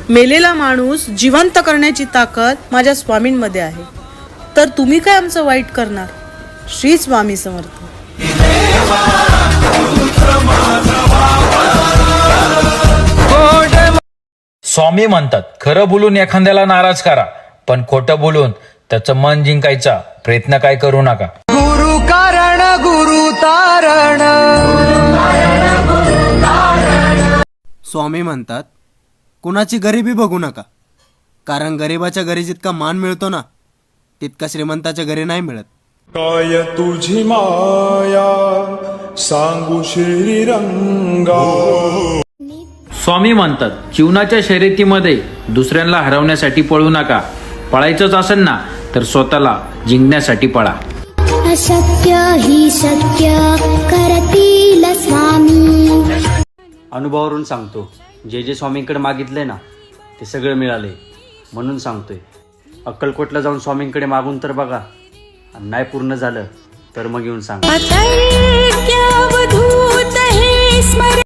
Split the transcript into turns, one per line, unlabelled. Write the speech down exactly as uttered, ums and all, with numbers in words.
मेलेला माणूस जिवंत करण्याची ताकद माझ्या स्वामींमध्ये आहे. तर तुम्ही काय आमचं वाईट करणार? श्री स्वामी समर्थ.
स्वामी म्हणतात, खरं बोलून एखाद्याला नाराज करा, पण खोटं बोलून त्याचं मन जिंकायचा प्रयत्न काय करू नका.
गुरु कारण गुरु तारण.
स्वामी म्हणतात, कुणाची गरिबी बघू नका, कारण गरिबाच्या घरी जितका मान मिळतो ना, तितका श्रीमंताच्या घरी नाही मिळत.
काय तुझी माया सांगू श्रीरंगा.
स्वामी म्हणतात, जीवनाच्या शर्यतीमध्ये दुसऱ्यांना हरवण्यासाठी पळू नका. पळायचंच असेल ना तर स्वतःला जिंकण्यासाठी पळा.
अशक्य ही शक्य करतील स्वामी.
अनुभवावरून सांगतो, जे जे स्वामींकडे मागितलंय ना ते सगळं मिळाले, म्हणून सांगतोय. अक्कलकोटला जाऊन स्वामींकडे मागून तर बघा, आणि नाही पूर्ण झालं तर मग येऊन सांगा.